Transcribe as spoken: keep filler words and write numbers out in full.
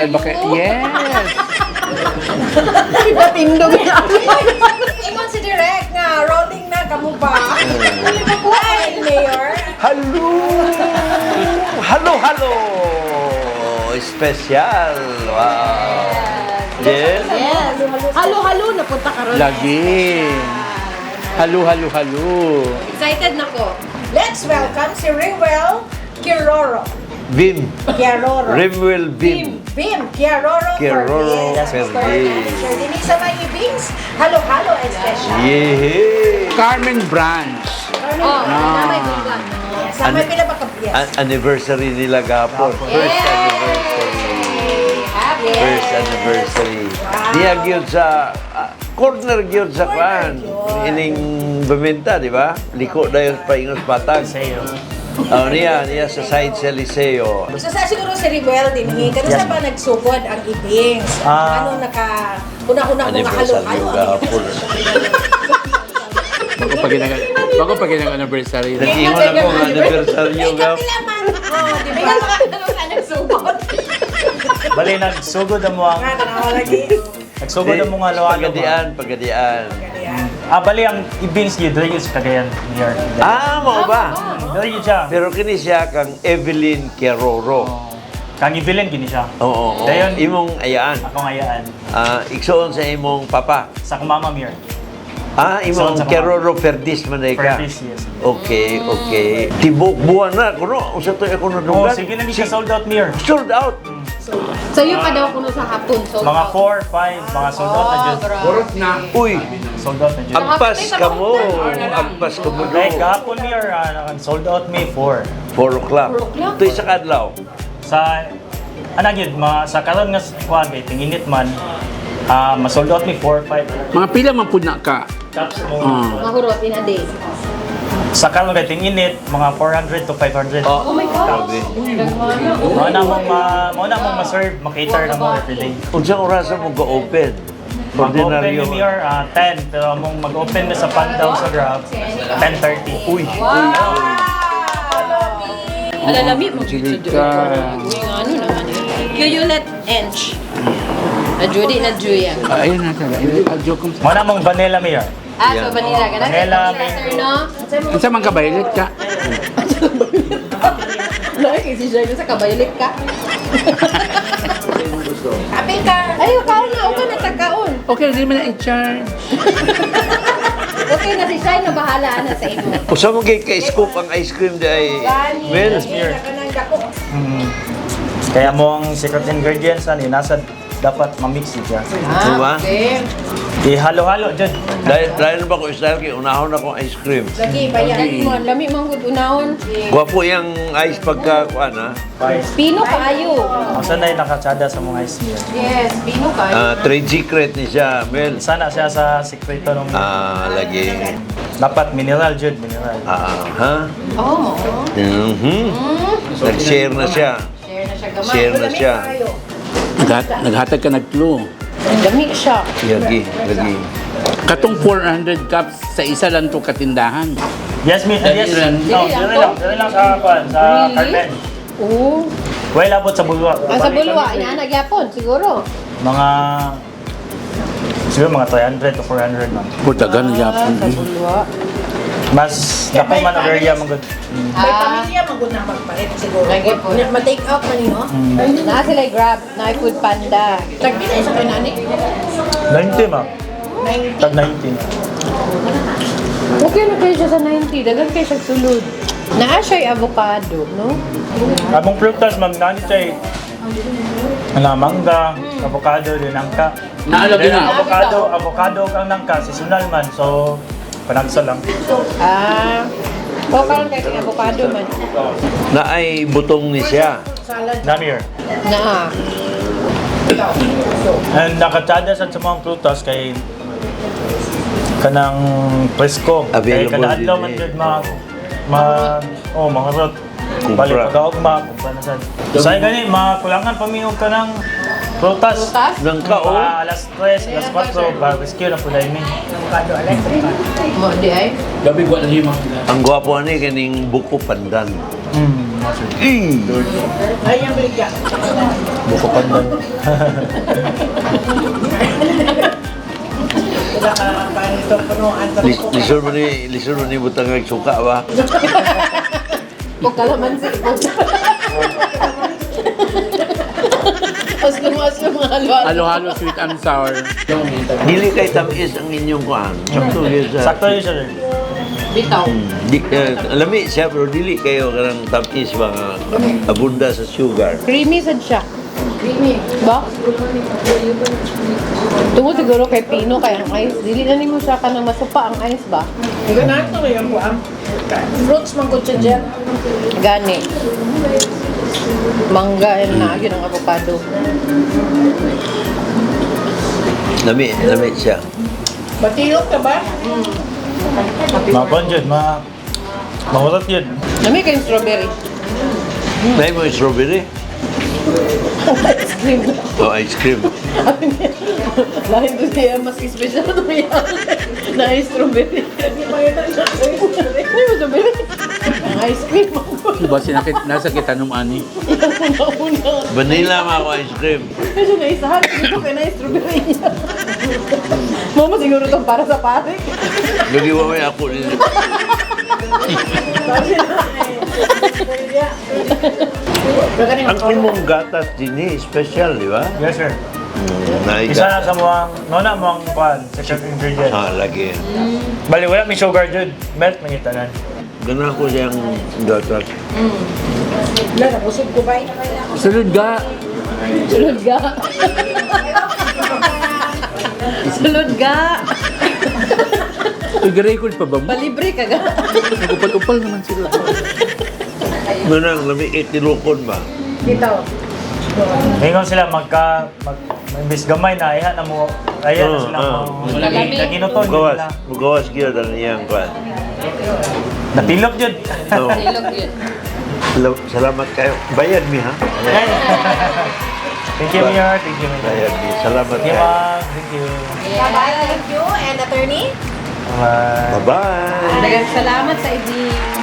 Ay, bakit? Yes! Patindog na. Ingon si Direk nga, rolling na, kamu ba? Ay, Mayor. Halo! Halo, halo! Special! Wow! Yes? Yes. Halo-halo, napunta ka ron. Lagi! Halo, halo, halo! Excited na ko. Let's welcome si Rewel Kiroro. Bim! Kiroro. Rimwell Bim! Bim, Kiroro Kiroro Ferdiz. Ferdiz. Sir Denise Mayibings, halo-halo and special. Yehey! Carmen Branch! Oh, na may bigla. Sa may pinabakabiyas. An- anniversary nila gapon. First anniversary. Happy. First anniversary. Diya gyud sa ah, corner gyud sa kwan. Ining bumenta, di ba? Liko dayon pa ingos patag. Oh, niya, niya sa side sa Liceo. So sa siguro si Rewel din, eh, kasi sa ba nagsugod ang ibings? Ah. Ano naka, una-una mga Anniversary halo-halo. gapon. Bago pa ginag bago pa ginag anniversary. Nag-ingon ako ng anniversary gap. Oh, di ba? Ano ka nagsugod? Bali, nagsugod ang mga... Nga, tanawa lagi. Nagsugod ang mga lawan. Pagadian, pagadian. Ah, bali, ang ibings yun, dahil yun sa Cagayan. Mayor. Ah, mo ba? Dahil yun siya. Pero kini siya kang Evelyn Keroro. Kang ibilin, gini siya. Oo, oo. Dayon, Imong ayaan. ako ngayaan. Ah, iksoon sa imong papa. Sa kumama, Mayor. Ah, imong Iksoon sa Keroro Ferdis man day ka. Ferdis, yes. Okay, okay. Tibok buwan na kuno unsa to ako Oh, nadunggan. sige na siya sold out, Mayor. Sold out. Sa'yo pa daw kuno sa hapon. So, Mga four, five, mga sold out na dyan. Purot na. Uy, Sold out na dyan. agpas ka mo. Agpas ka mo Eh, do. kahapon, Mayor, ah, sold out May four. four o'clock. Ito sa kadlaw. Sa, anag yun, mga, sa karon nga kuwan, kay tinginit man, ah, ma-sold out May four, five. Mga pila man pud na ka. Tapos mo, Ah. mahurot in a day. sa karon kay tinginit, mga four hundred to five hundred. Oh, Oh my God. grabe. Mao na mong ma, mao na mong ma-serve, ma-cater na mo every day. Unsa oras mo ga-open? Mag-open Ordinaryo. ni Mayor ah, ten, pero mong mag-open na sa Pandaw sa Grab, ten thirty. Uy, Alalami mo Sige dito. ka. Uy, nga ano naman eh. Yulet Ench. Na Judy na Juya. Ah, ayun na talaga. Ayun, joke ko. Mao na mong vanilla, Mayor. Ah, so vanilla ka na. Vanilla, Sir, no? Unsa man ka violet ka? Lagi si Sir, sa kabayalit ka. Happy ka. Ay, kaon na. Okay na tagkaon. Okay, hindi man na i-charge. Okay na si Shai na bahala na sa imo. usa mo kay ka-scoop ang ice cream day. Gani. Well, Yes, kanang dako. Mm. Kaya mo ang secret ingredients ani nasa dapat ma-mix siya. Diba? okay. Ihalo-halo dyan. dahil dahil ba ko style kay unahon ako ice cream. Lagi, bayan. Lagi mo, lami mong good unahon. Gwapo yung ice pagka kuan ha. Pino kaayo. Asa na yung nakatsada sa mga ice cream. Yes, pino kaayo. Ah, trade secret ni siya, Mel. Sana siya sa sekreto ng Ah, lagi. dapat mineral jud, mineral. Ah, ha? Oo. Mhm. Nag-share na siya. Share na siya gamay. Share na siya. Naghat naghatag ka nag-clue. Dami siya. Lagi, lagi. Katong four hundred cups sa isa lang to katindahan. Yes, mi, yes. No, Dili lang dire to? lang, dire lang sa kwan, sa Really? carpet. Oo. Way labot sa bulwa. Ang sa bulwa, ina nagyapon siguro. Mga siguro mga three hundred to four hundred man. Putagan na yapon. Sa bulwa. Mas dako man ang area man gud. May Ah, pamilya maguna magpalit siguro. Lagi po. Na- Ma-take out man niyo. na sila Grab, na Food Panda. Tagpila sa kanani. ninety ma. ninety. Tag ninety. Okay na kayo siya sa ninety, dagan kayo siya sulod. Naa siya avocado, no? Abong prutas ma'am nani chay. Ana mangga, avocado din angka. Naalagi Then, na. avocado, avocado ang nangka seasonal man so panagsa lang. Ah, o karon kay kay avocado man. Na ay butong ni siya. Namir. Naa. And nakatsada sa mga prutas kay kanang presko. Kay Available kada adlaw din man eh. jud ma ma oh mga rot. Kumpra. Bali pagkaugma, kumpra na sad. Say gani makulangan pa mi og kanang prutas. Prutas? Nang kao. Mga alas tres, alas kwatro, barbecue na po dahil mi. Mo di ay. Gabi ko na himang. Ang gwapo ni kaning buko pandan. Mm. mo sir. Eh, Ay, yung bigyan. Buko pandan. Wala ka pa nito punuan sa lis- lisod mo ni, lisod mo ni butang suka ba? O kalamansi. Aslum-aslum mga halo-halo. Halo-halo, sweet and sour. Dili kay tamis ang inyong kuhan. Sakto yun sa... Sakto yun sir. Bitaw. Di, uh, lami siya, pero dili kayo karang tamis mga abunda sa sugar. Creamy sad siya. Creamy. Ba? Tungod siguro kay Pino kay ang ice. Dili na nimo siya ka na masupa ang ice ba? Ikaw na ito yung buwam. Fruits man ko siya dyan. Gani. Mangga and na yun ang avocado. Lami, lami siya. Batiyot ka ba? Mga kwan yun, mga... Mahutot yun. Nami kay strawberry. May mo yung strawberry? Ice cream. O ice cream. Lahat doon siya mas special na yan. Na ice strawberry. Hindi mo strawberry. Ang ice cream ako. Diba sinakit, nasa kita nung ani? Una-una. Vanilla ma ako ice cream. Medyo naisahan. Dito kay na strawberry niya. Mama siguro itong para sa pare. Naliwa may ako nila. Ang imong gatas din eh, special, di ba? Yes sir. Mm, Isa na na sa mga... Nona mo ang kwan, secret ingredient. Ah, lagi. Bali, wala may sugar dyan. Melt man yung tanan. Gana ko siyang gatas. Wala, nabusog ko ba? Sulod ga. Sulod ga. Sulod ga. Tigarecord pa ba mo? Palibre ka ga. Nagupal-upal naman sila. Manang, lami itilukon ba? Dito. Ngayon sila magka... Mag, imbis gamay na, iha na mo... Ayan na Oo, sila oo. mo... Lami. Naginuton yun Mugawas, nila. mugawas gyud ang iyang kwan. Napilok yun. Oh, Ilog yun. sal- salamat kayo. Bayad mi ha? Thank you, Mayor. Thank you, Mayor. Bayad mi. Salamat Thank you, kayo. ma'am. Thank you. Bye-bye. Thank you. And attorney? Bye. Bye-bye. Dagang salamat sa ibig.